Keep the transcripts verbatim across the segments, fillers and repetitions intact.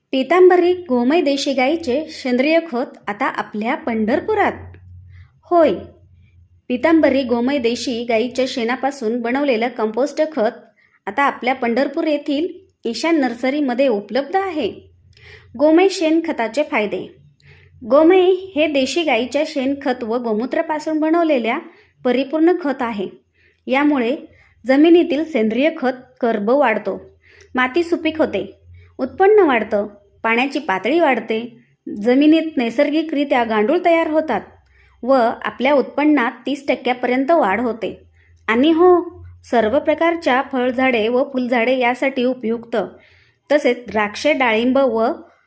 पितांबरी गोमय देशी गाईचे सेंद्रिय खत आता आपल्या पंढरपुरात. होय, पितांबरी गोमय देशी गाईच्या शेणापासून बनवलेलं कंपोस्ट खत आता आपल्या पंढरपूर येथील ईशान नर्सरीमध्ये उपलब्ध आहे. गोमय शेणखताचे फायदे. गोमय हे देशी गाईच्या शेणखत व गोमूत्रापासून बनवलेल्या परिपूर्ण खत आहे. यामुळे जमिनीतील सेंद्रिय खत कर्ब वाढतो, माती सुपीक होते, उत्पन्न वाढतं, पाण्याची पातळी वाढते, जमिनीत नैसर्गिकरित्या गांडूळ तयार होतात व आपल्या उत्पन्नात तीस टक्क्यापर्यंत वाढ होते. आणि हो, सर्व प्रकारच्या फळझाडे व फुलझाडे यासाठी उपयुक्त. तसेच द्राक्षे, डाळिंब व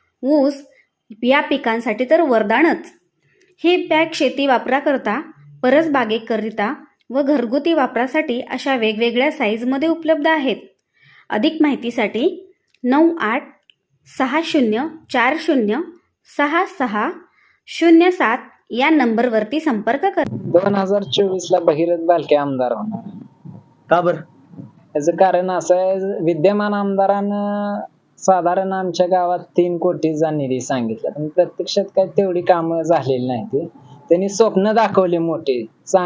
ऊस या पिकांसाठी तर वरदानच. ही बॅग शेती वापराकरता, परसबागेकरिता व घरगुती वापरासाठी अशा वेगवेगळ्या साईजमध्ये उपलब्ध आहेत. अधिक माहितीसाठी नऊ आठ सहा शून्य चार शून्य सहा सहा शून्य सात या नंबरवरती संपर्क करा. दोन हजार चोवीस ला भगीरथ बालके आमदार होणार. का बर? याचं कारण असं आहे, विद्यमान आमदारानं साधारण आमच्या गावात तीन कोटीचा निधी सांगितला, पण प्रत्यक्षात काय तेवढी कामं झालेली नाही. ती त्यांनी स्वप्न दाखवले मोठे,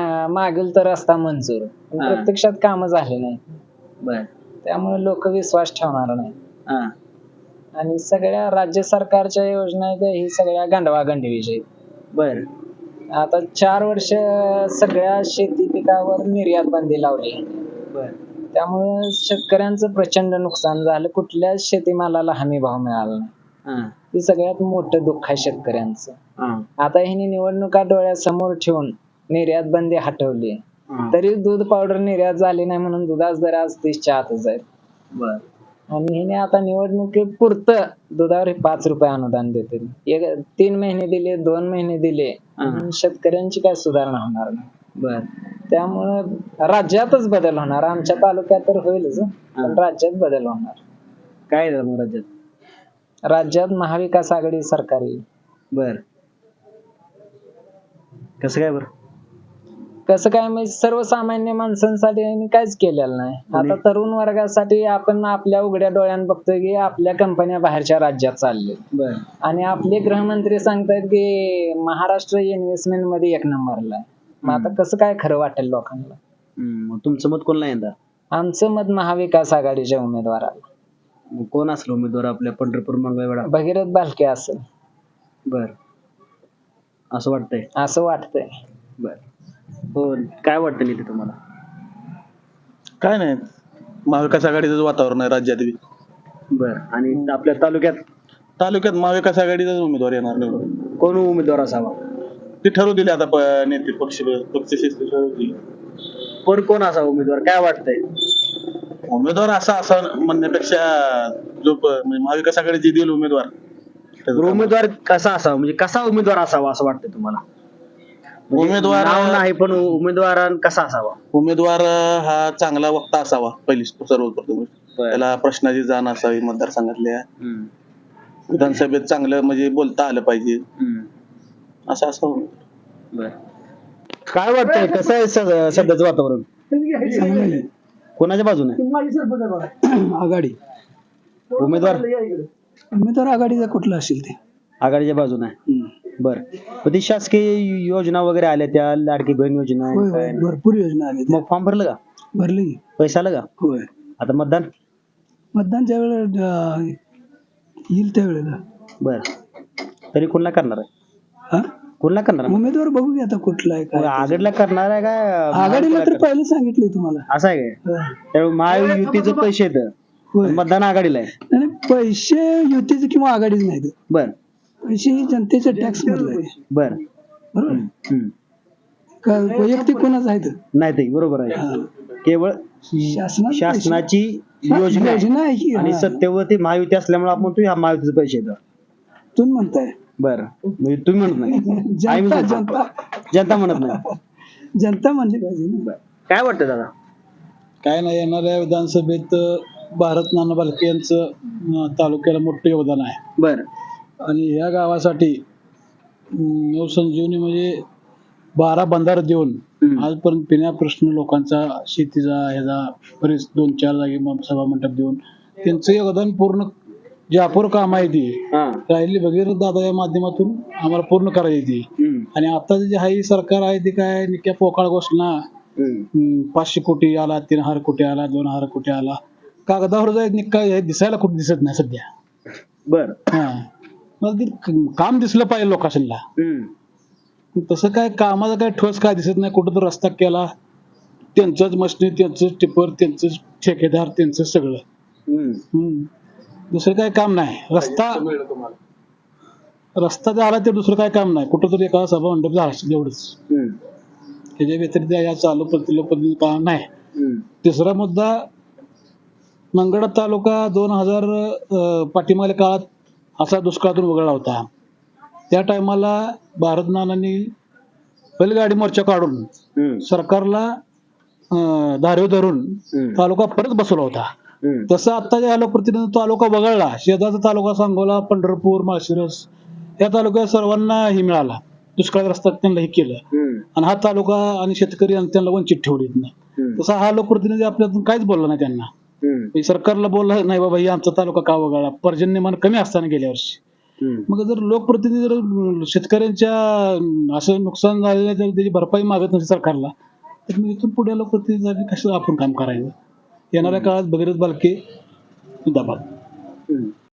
मागील तर रस्ता मंजूर, पण प्रत्यक्षात कामं झाले नाही. बर. त्यामुळे लोक विश्वास ठेवणार नाही. आणि सगळ्या राज्य सरकारच्या योजना ही सगळ्या गांडवा गंडवीचे. बर. आता चार वर्ष सगळ्या शेती पिकावर निर्यात बंदी लावली. बर. त्यामुळे शेतकऱ्यांचं प्रचंड नुकसान झालं. कुठल्याच शेतीमालाला हमी भाव मिळाला नाही. हे सगळ्यात मोठं दुःख आहे शेतकऱ्यांचं. आता ह्यांनी निवडणुका डोळ्यासमोर ठेवून निर्यात बंदी हटवली, तरी दूध पावडर निर्यात झाली नाही म्हणून दुधाच दर आज तीसच्या आतच आहेत. बर. आणि हिने आता निवडणुकीपुरतं दुधावर पाच रुपये अनुदान देते. एक तीन महिने दिले, दोन महिने दिले, शेतकऱ्यांची काय सुधारणा होणार नाही. बर. त्यामुळं राज्यातच बदल होणार. आमच्या तालुक्यात तर होईलच, पण राज्यात बदल होणार. काय झालं मग राज्यात? राज्यात महाविकास आघाडी सरकार येईल. बर. कसं काय? बर. कसं काय म्हणजे सर्वसामान्य माणसांसाठी यांनी काहीच केलेलं नाही. आता तरुण वर्गासाठी आपण आपल्या उघड्या डोळ्यानं बघतोय की आपल्या कंपन्या बाहेरच्या राज्यात चालले. बर. आणि आपले गृहमंत्री सांगतायत की महाराष्ट्र इन्व्हेस्टमेंट मध्ये एक नंबरला आहे. मग आता कसं काय खरं वाटेल लोकांना? मग तुमचं मत कोणला यंदा? आमचं मत महाविकास आघाडीच्या उमेदवाराला. मग कोण असलं उमेदवार आपल्या पंढरपूर मंगळवेढा? भगीरथ बालके असेल. बर. असं वाटतंय? असं वाटतंय. बर. हो. काय वाटतं नेते तुम्हाला? काय नाही, महाविकास आघाडीचं वातावरण आहे राज्यात. बर. आणि आपल्या तालुक्यात? तालुक्यात महाविकास आघाडीचाच उमेदवार येणार निवडून. कोण उमेदवार असावा ते ठरवू दिले आता नेते पक्ष पक्षश्रेष्ठी ठरवतील. पण कोण असावा उमेदवार काय वाटतंय? उमेदवार असा असा म्हणण्यापेक्षा जो म्हणजे महाविकास आघाडीची देईल उमेदवार. उमेदवार कसा असावा, म्हणजे कसा उमेदवार असावा असं वाटतंय तुम्हाला? उमेदवार नाही, पण उमेदवार कसा असावा? उमेदवार हा चांगला वक्ता असावा पहिली सर्वप्रथम. त्याला प्रश्नाची जाण असावी, मतदारसंघातल्या विधानसभेत चांगलं म्हणजे बोलता आलं पाहिजे, असं असावं. बर. काय वाटतंय, कसं आहे सध्याचं वातावरण? कोणाच्या बाजूने? आघाडी. उमेदवार उमेदवार आघाडीचा कुठला असेल ते आघाडीच्या बाजूने. बर. ती शासकीय योजना वगैरे आल्या, त्या लाडकी बहीण योजना भरपूर योजना आल्या. मग फॉर्म भरलं का? भरले. पैसा आला का? होय. आता मतदान मतदान ज्या वेळेला येईल त्यावेळेला. बर. तरी कोणला करणार आहे? कोणला करणार? उमेदवार बघू की आता कुठला आहे काय. आघाडीला करणार आहे का? आघाडीला तर पहिलं सांगितलंय तुम्हाला. असं आहे काय? त्यामुळे महायुतीचे पैसे येतं, मतदान आघाडीला आहे. पैसे युतीचे किंवा आघाडीच नाही. बर. पैसे जनतेच्या टॅक्स मधले आहे. बर. बरोबर. वैयक्तिक कोणाचं आहे नाही ते बरोबर आहे. केवळ शासनाची योजना आहे की. आणि सत्तेवरती महायुती असल्यामुळे आपण तू ह्या महायुतीचे पैसे येतात तुम्ही म्हणताय. बर. म्हणजे तुम्ही म्हणत नाही, जनता जनता जनता म्हणत नाही. जनता म्हणली पाहिजे. काय वाटतं दादा? काय नाही, येणाऱ्या विधानसभेत भारत नाना बालके यांचं तालुक्याला मोठं योगदान आहे. बर. आणि या गावासाठी नवसंजीवनी म्हणजे बारा बंधार देऊन आजपर्यंत पिण्या प्रश्न लोकांचा, शेतीचा, ह्याचा बरेच दोन चार जागी सभा मंडप देऊन त्यांचं योगदान पूर्ण जी अपूर्ण काम आहे ती हा राहिली भगीरथ दादा या माध्यमातून आम्हाला पूर्ण करायची ती. हम्म, आणि आता जे आहे सरकार आहे ते काय निक्या पोकाळ घोषणा, हम्म, हम्म, पाचशे कोटी आला, तीन हजार कोटी आला, दोन हजार कोटी आला, कागदावर जाय निक्का हे दिसायला कुठे दिसत नाही सध्या. बर हा मग ते क- काम दिसलं पाहिजे लोकांना. हम्म, तसं काय कामाचं काय ठोस काय दिसत नाही. कुठं तर रस्ता केला, त्यांचंच मशनी, त्यांचंच टिपर, त्यांचंच ठेकेदार, त्यांचं सगळं. हम्म, हम्म. दुसरं काय काम नाही. रस्ता रस्ता झाला ते दुसरं काय काम नाही. कुठं तरी एका सभा मंडप झाला एवढंच. हम्म, त्याच्या व्यतिरिक्त या चालू प्रतिलो पद्धती काम नाही. हम्म, तिसरा मुद्दा, मंगळा तालुका दोन हजार पाठीमागल्या काळात असा दुष्काळातून वगळला होता. त्या टायमाला भारत नानांनी बैलगाडी मोर्चा काढून हम्म, सरकारला अं, धारेवर धरून हम्म, तालुका परत बसवला होता. हम्म, तसं आता जे लोकप्रतिनिधी तालुका वगळला, शेजारचा तालुका सांगोला, पंढरपूर, माळशिरस या तालुक्यात सर्वांना ही मिळाला, दुष्काळ रस्ता त्यांना हे केलं. हम्म, आणि हा तालुका आणि शेतकरी आणि त्यांना वंचित ठेवले. हम्म, तसा हा लोकप्रतिनिधी आपल्यातून काहीच बोलला नाही त्यांना. हम्म, म्हणजे सरकारला बोलला नाही बाबा ही आमचा तालुका का वगळला, पर्जन्यमान कमी असताना गेल्या वर्षी. हम्म. मग जर लोकप्रतिनिधी जर अं, शेतकऱ्यांच्या अं, असं नुकसान झालेलं जर त्याची भरपाई मागत नसेल सरकारला, तर मग इथून पुढे लोकप्रतिनिधी कसं आपण काम करायचं. येणाऱ्या काळात भगीरथ बालके जिंदाबाद. हम्म.